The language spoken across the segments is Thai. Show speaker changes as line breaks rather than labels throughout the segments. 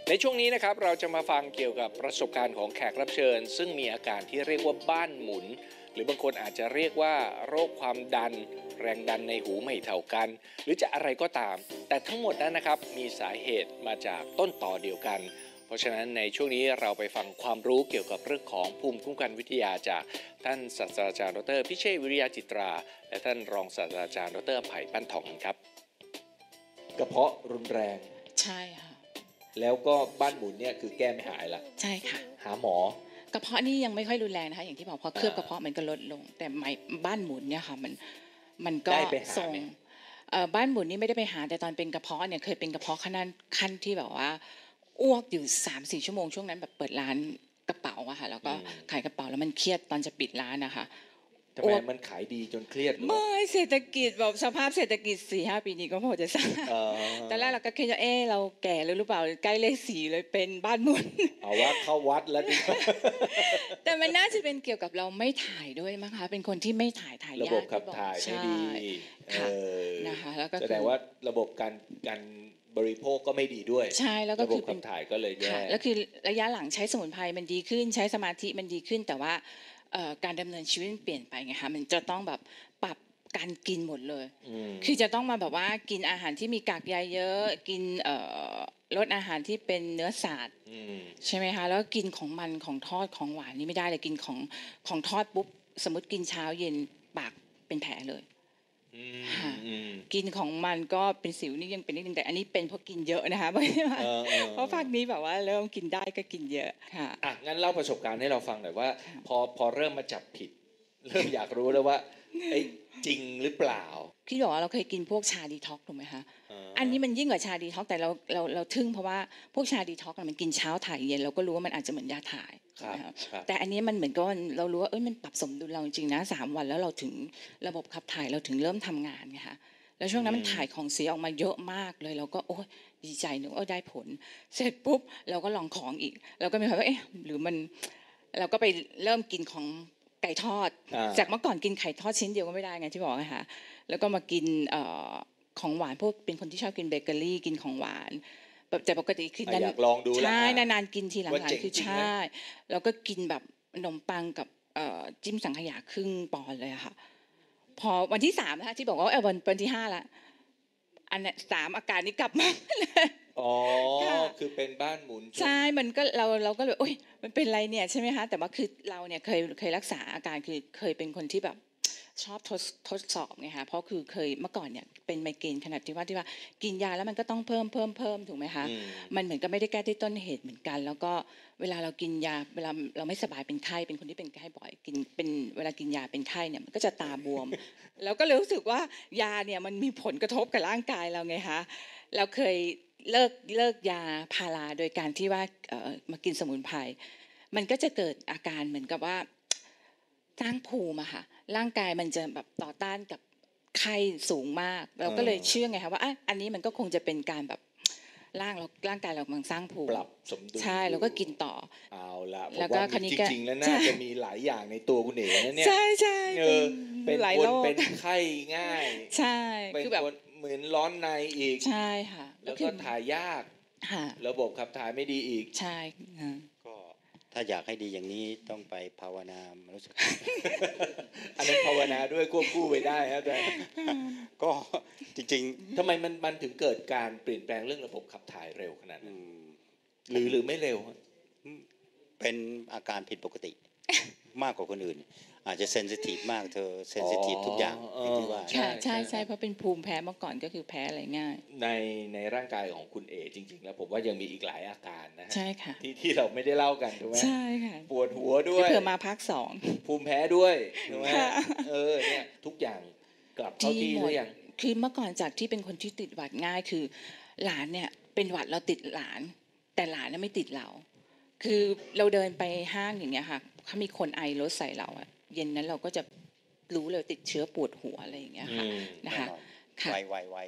ในช่วงนี้นะครับเราจะมาฟังเกี่ยวกับประสบการณ์ของแขกรับเชิญซึ่งมีอาการที่เรียกว่าบ้านหมุนหรือบางคนอาจจะเรียกว่าโรคความดันแรงดันในหูไม่เท่ากันหรือจะอะไรก็ตามแต่ทั้งหมดนั้นนะครับมีสาเหตุมาจากต้นต่อเดียวกันเพราะฉะนั้นในช่วงนี้เราไปฟังความรู้เกี่ยวกับเรื่องของภูมิคุ้มกันวิทยาจากท่านศาสตราจารย์ดร.พิเชษฐ์วิริยะจิตราและท่านรองศาสตราจารย์ดร.ไผ่ปั้นทองครับกระเพาะรุนแรง
ใช่ค่ะ
แล้วก็บ้านหมุนเนี่ยคือแก้ไม่หายละ
ใช่ค่ะ
หาหม
อกระเพาะนี่ยังไม่ค่อยรุนแรงนะคะอย่างที่บอกพอเคลือบกระเพาะมันก็ลดลงแต่บ้านหมุนเนี่ยค่ะมันก็ส่งบ้านหมุนนี่ไม่ได้ไปหาแต่ตอนเป็นกระเพาะเนี่ยเคยเป็นกระเพาะขั้นที่แบบว่าอ้วกอยู่ 3-4 ชั่วโมงช่วงนั้นแบบเปิดร้านกระเป๋าอะค่ะแล้วก็ขายกระเป๋าแล้วมันเครียดตอนจะปิดร้านนะคะ
ทำไมมันขายดีจนเครียด
ไม่เศรษฐกิจแบบสภาพเศรษฐกิจ 4-5 ปีนี้ก็พอจะทราบตอนแรกเราก็คิดว่าเราแก่แล้วหรือเปล่าใกล้เลข4เลยเป็นบ้านหมุน
เอาว่าเข้าวัดแล้วดิ
แต่มันน่าจะเป็นเกี่ยวกับเราไม่ถ่ายด้วยมั้งคะเป็นคนที่ไม่ถ่ายยาก
ระบบขับถ่ายไม่ดี
นะคะแล้วก็
แสดงว่าระบบการบริโภคก็ไม่ดีด้วย
ใช่แล้วก็
คือระบบขับถ่ายก็เลยแย่
แล้วคือระยะหลังใช้สมุนไพรมันดีขึ้นใช้สมาธิมันดีขึ้นแต่ว่าการดำเนินชีวิตมันเปลี่ยนไปไงคะมันจะต้องแบบปรับการกินหมดเลยคือจะต้องมาแบบว่ากินอาหารที่มีกากใยเยอะกินลดอาหารที่เป็นเนื้อสัตว์ใช่ไหมคะแล้วกินของมันของทอดของหวานนี่ไม่ได้เลยกินของทอดปุ๊บสมมติกินเช้าเย็นปากเป็นแผลเลยกินของมันก็เป็นสิวนี่ยังเป็นนิดนึงแต่อันนี้เป็นเพราะกินเยอะนะคะเพราะภาคนี้แบบว่าเริ่มกินได้ก็กินเยอะค่ะ
งั้นเล่าประสบการณ์ให้เราฟังหน่อยว่าพอเริ่มมาจับผิดเริ่มอยากรู้แล้วว่าจริงหรือเปล่า
พี่บอกว่าเราเคยกินพวกชาดีท็อกถูกไหมคะอันนี้มันยิ่งกว่าชาดีท็อกแต่เราทึ่งเพราะว่าพวกชาดีท็อกมันกินเช้าถ่ายเย็นเราก็รู้ว่ามันอาจจะเหมือนยาถ่ายแต่อันนี้มันเหมือนกับเรารู้ว่ามันปรับสมดุลเราจริงนะ3 วันแล้วเราถึงระบบขับถ่ายเราถึงเริ่มทำงานไงคะแล้วช่วงนั้นมันถ่ายของเสียออกมาเยอะมากเลยเราก็โอ้ยดีใจนึกว่าได้ผลเสร็จปุ๊บเราก็ลองของอีกเราก็มีความว่าหรือมันเราก็ไปเริ่มกินของไก่ทอดจากเมื่อก่อนกินไข่ทอดชิ้นเดียวก็ไม่ได้ไงที่บอกนะคะแล้วก็มากินของหวานพวกเป็นคนที่ชอบกินเบเกอรี่กินของหวานแต่ปกติคือ
อยากลองดู
ใช่นานๆกินทีหลังๆคือใช่แล้วก็กินแบบขนมปังกับจิ้มสังขยาครึ่งปอนด์เลยค่ะพอวันที่3นะคะที่บอกว่าวันที่5ละอันนี้3อาการนี้กลับมาเลย
คือเป็นบ้านหมุน
ใช่มันก็เราก็เลยโอ๊ยมันเป็นไรเนี่ยใช่ไหมคะแต่ว่าคือเราเนี่ยเคยรักษาอาการคือเคยเป็นคนที่แบบชอบทดสอบไงคะเพราะคือเคยเมื่อก่อนเนี่ยเป็นไมเกรนขนาดที่ว่ากินยาแล้วมันก็ต้องเพิ่มถูกไหมคะมันเหมือนกับไม่ได้แก้ที่ต้นเหตุเหมือนกันแล้วก็เวลาเรากินยาเวลาเราไม่สบายเป็นไข้เป็นคนที่เป็นไข้บ่อยกินเป็นเวลากินยาเป็นไข้เนี่ยมันก็จะตาบวมแล้วก็เลยรู้สึกว่ายาเนี่ยมันมีผลกระทบกับร่างกายเราไงคะเราเคยเลิกยาพาราโดยการที่ว่ามากินสมุนไพรมันก็จะเกิดอาการเหมือนกับว่าสร้างภูมิอะค่ะร่างกายมันจะแบบต่อต้านกับไข้สูงมากเราก็เลยเชื่อไงคะว่าอันนี้มันก็คงจะเป็นการแบบร่างกายเรากำลังสร้างภูมิ
ปรับสมดุล
ใช่แล้วก็กินต่อ
เอาละแล้วก็จริงๆแล้วน่าจะมีหลายอย่างในตัวคุณเอ๋นะเนี่ย
ใช่
เป็นคนเป็นไข้ง่าย
ใช่
คือแบบเหมือนร้อนในอีก
ใช่ค่ะ
แล้วก็ถ่ายยากระบบขับถ่ายไม่ดีอีก
ใช่
ก็ถ้าอยากให้ดีอย่างนี้ต้องไปภาวนารู้สึก
อันนั้นภาวนาด้วยควบคู่ไปได้ครับแต่
ก็จริง
ๆทำไมมันถึงเกิดการเปลี่ยนแปลงเรื่องระบบขับถ่ายเร็วขนาดนั้นหรือไม่เร็ว
เป็นอาการผิดปกติมากกว่าคนอื่นอาจจะเซนซิทีฟมากเธอเซนซิทีฟทุกอย่างที่ว่า
ใช่เพราะเป็นภูมิแพ้เมื่อก่อนก็คือแพ้อะไรง่าย
ในร่างกายของคุณเอจริงๆแล้วผมว่ายังมีอีกหลายอาการนะ
ใช่ค่ะ
ที่เราไม่ได้เล่ากันถูกไหม
ใช่ค่ะ
ปวดหัวด้วย
เผื่อมาภาค2
ภูมิแพ้ด้วยถูกไหมเนี่ยทุกอย่างกลับเข้าที่หรือยัง
คือเมื่อก่อนจากที่เป็นคนที่ติดหวัดง่ายคือหลานเนี่ยเป็นหวัดเราติดหลานแต่หลานไม่ติดเราคือเราเดินไปห้างอย่างเงี้ยค่ะเขามีคนไอรถใส่เราอะเย็นนั้นเราก็จะรู้เลยติดเชื้อปวดหัวอะไรอย่างเงี้ยค่ะนะคะ
ค่ะไว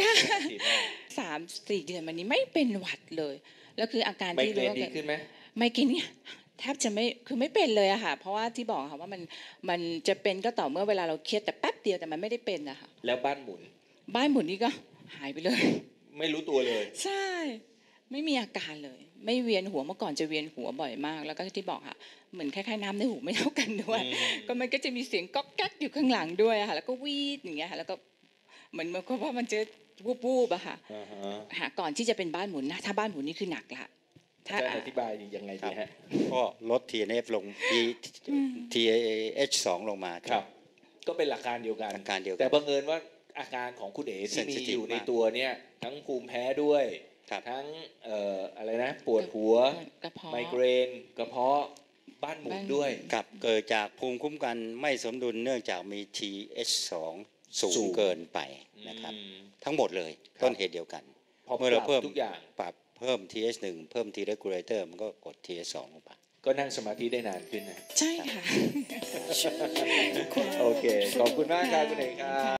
3-4 เดือนมานี้ไม่เป็นหวัดเลยแล้วคืออาการที่
รู้ว่าดีขึ้นไหม
ไม่กินเนี่ยแทบจะไม่เป็นเลยอะค่ะเพราะว่าที่บอกค่ะว่ามันจะเป็นก็ต่อเมื่อเวลาเราเครียดแต่แป๊บเดียวแต่มันไม่ได้เป็นอะค่ะ
แล้วบ้านหมุน
นี่ก็หายไปเลย
ไม่รู้ตัวเลย
ใช่ไม่มีอาการเลย ไม่เวียนหัวเมื่อก่อนจะเวียนหัวบ่อยมาก แล้วก็ที่บอกค่ะเหมือนคล้ายๆน้ำในหูไม่เท่ากันด้วย ก็มันก็จะมีเสียงก๊อกแก๊กอยู่ข้างหลังด้วยอะค่ะแล้วก็วีดอย่างเงี้ยค่ะแล้วก็เหมือนกับว่ามันจะวูบๆอะค่ะ
อ่าฮะ
ค่ะก่อนที่จะเป็นบ้านหมุนนะถ้าบ้านหมุนนี่คือหนักละถ้า
อาจารย์อธิบายยังไงดีฮะ
ก็ลด TNF ลง TH2 ลงมา
ครับ ก็เป็นหลักการเดียวกัน
หลักการเดียวกัน
แต่บังเอิญว่าอาการของคุณเอ๋ที่มี
Sensitive
อยู่ใน
มาก
ตัวเนี่ยทั้งภูมิแพ้ด้วย
ครับ
ทั้งอะไรนะปวดหัว
กระเพาะ
ไมเกรนกระเพาะบ้านหมุนด้วย
ครับเกิดจากภูมิคุ้มกันไม่สมดุลเนื่องจากมี TH2 สู
สู
ง
ง
เกินไปนะครับ
อืม
ทั้งหมดเลย
ครับ
ต้นเหตุเดียวกัน
พอ
เมื่อเรา
ป
เพิ่
รับ
ม
ทุกอย่าง
ปรับเพิ่ม TH1 เพิ่ม T regulator มันก็กด TH2 ลงไป
ก็นั่งสมาธิได้นานขึ้นนะ
ใช่ค่ะ
โอเค ขอบคุณมากครับคุณเอ๋ครับ